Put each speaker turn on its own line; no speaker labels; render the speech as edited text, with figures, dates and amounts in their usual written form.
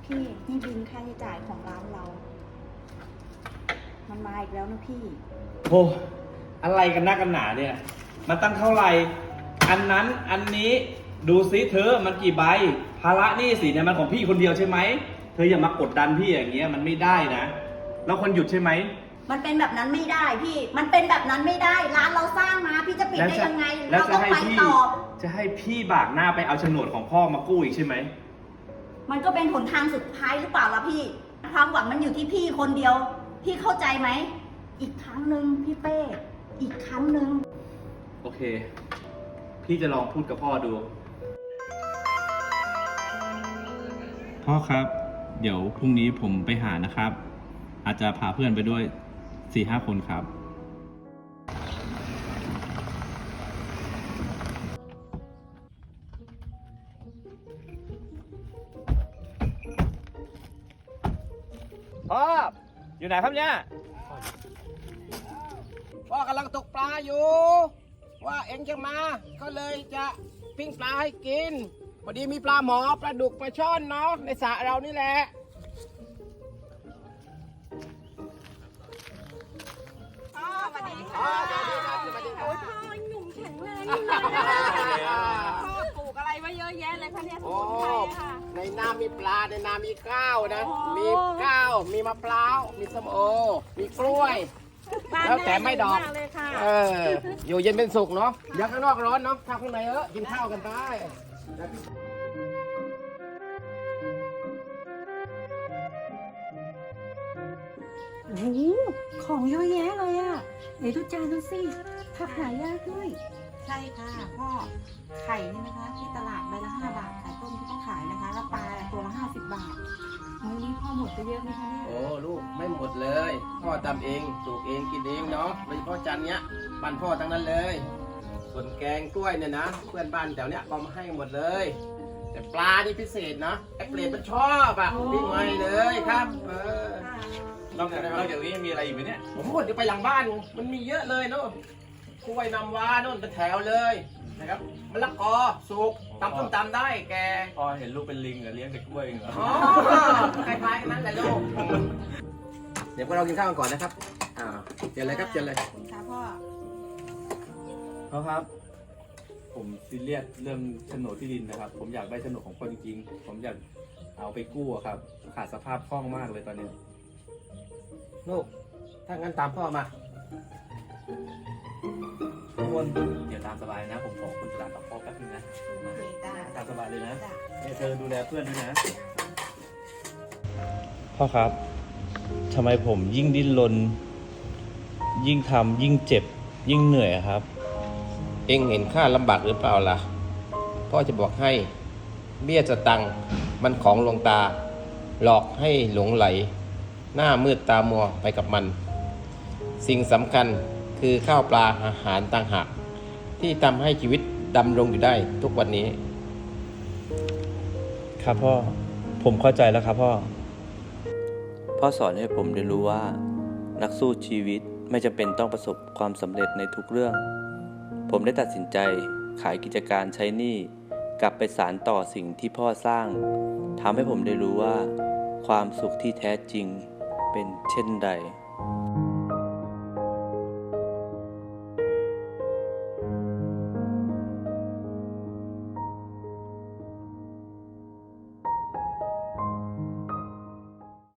พี่นี่บินค่าใช้จ่ายของร้านเรา มันมาอีกแล้วนะพี่
โอ้อะไรกันนักกันหนาเนี่ย มันตั้งเท่าไหร่ อันนั้นอันนี้ดูซิเธอมันกี่ใบ ภาระหนี้สินเนี่ยมันของพี่คนเดียวใช่ไหม เธออย่ามากดดันพี่อย่างเงี้ยมันไม่ได้นะ แล้วคนหยุดใช่ไหม
มันเป็นแบบนั้นไม่ได้พี่ มันเป็นแบบนั้นไม่ได้ ร้านเราสร้างมาพี่จะปิดได้ยังไง
แล้ว
เรา
จะ
ต้อง
ให้
ไป
พี่
ต่อ
จะให้พี่บากหน้าไปเอาโฉนดของพ่อมากู้อีกใช่ไหม
มันก็เป็นหนทางสุดท้ายหรือเปล่าล่ะพี่ ความหวังมันอยู่ที่พี่คนเดียว พี่เข้าใจไหม อีกครั้งหนึ่งพี่เป้ อีกครั้งหนึ่ง
โอเค พี่จะลองพูดกับพ่อดู พ่อครับ เดี๋ยวพรุ่งนี้ผมไปหานะครับ อาจจะพาเพื่อนไปด้วย 4-5 คนครับ พ่อ อยู่ไหนครับเนี่ย
พ่อกำลังตกปลาอยู่ ว่าเอ็งจะมา ก็เลยจะปิ้งปลาให้กิน พอดีมีปลาหมอปลาดุกปลาช่อนเนาะในสระเรานี่แหละพ่อสวัสดีค่ะสวัสดีค่ะ
โอ้ยพ่อหนุ่มแข็งแรงอยู่เลยพ่อปลูกอะไรไว้เยอะแยะเลยคะเนี่ยส
โอ้
มุนไพรอะค่ะ
ในน้ำมีปลาในน้ำมีข้าวนะ
โอ้
มีข้าว มีมะพร้าว มีส้มโอ มีกล้วย
บ้าน
แล้วแต่ไม่ดอก
มากเลยค่ะ
อยู่เย็นเป็นสุขเนาะเดี๋ยวข้างนอกร้อนเนาะข้าวข้างในกินข้าวกันไป
โอ้โหของเยอะแยะเลยอะไหนดูจานดูสิผักหายากด้วย
ใช่ค่ะพ่อ ไข่นี่นะคะ ที่ตลาดใบละ5 บาทไข่ต้มที่ต้องขายนะคะ แล้วปลาตัวละ50 บาทมื้อนี้พ่อหมดไปเยอะไหมคะเนี่ย
โอ้ลูกไม่หมดเลย พ่อทำเองปลูกเองกินเองเนาะโดยเฉพาะจานเนี้ยบ้านพ่อทั้งนั้นเลย ส่วนแกงกล้วยเนี่ยนะเพื่อนบ้านแถวเนี้ยก็มาให้หมดเลย แต่ปลานี่พิเศษนะไอ้เปรตมันชอบอ่ะวิ่งมาเลยครับ
นอกจากนี้ยังมีอะไรอีกไหมเนี่ย
ผมพูดเดี๋ยวไปหลังบ้านมันมีเยอะเลยเนาะกล้วยน้ำว้าโน่นเป็นแถวเลยนะครับมะละกอสุกตำส้มตำได้แก
พ่อเห็นลูกเป็นลิงเหรอเลี้ยงแต่กล้วยเหรอ
อ๋อคล้ายๆกันนั่นแหละลูกเดี๋ยวพวกเรากินข้าวกันก่อนนะครับเจอเลยครับเจอเลย
ค่ะพ่อ
พ่อครับ ผมซีเรียสเรื่องโฉนดที่ดินนะครับ ผมอยากได้โฉนดของพ่อจริงๆ ผมอยากเอาไปกู้อะครับ ขาดสภาพคล่องมากเลยตอนนี้
ลูกถ้างั้นตามพ่อมา
ทุกคนเดี๋ยวตามสบายนะ ผมขอคุณตลาดกับพ่อแป๊บนึงนะ
โอเคจ้า
ตามสบายเลยนะ
จ้า
เนี่ยเธอดูแลเพื่อนด้วยนะ พ่อครับทำไมผมยิ่งดิ้นรนยิ่งทำยิ่งเจ็บ ยิ่งเหนื่อยครับ
เอ็งเห็นข้าลำบากหรือเปล่าล่ะพ่อจะบอกให้เบี้ยสตังค์มันของหลวงตา หลอกให้หลงไหล หน้ามืดตามัวไปกับมัน สิ่งสำคัญคือข้าวปลาอาหารต่างหากที่ทำให้ชีวิตดำรงอยู่ได้ทุกวันนี้
ครับพ่อ ผมเข้าใจแล้วครับพ่อ
พ่อสอนให้ผมเรียนรู้ว่า นักสู้ชีวิตไม่จำเป็นต้องประสบความสำเร็จในทุกเรื่อง ผมได้ตัดสินใจขายกิจการใช้หนี้กลับไปสานต่อสิ่งที่พ่อสร้างทำให้ผมได้รู้ว่า ความสุขที่แท้จริงเป็นเช่นใด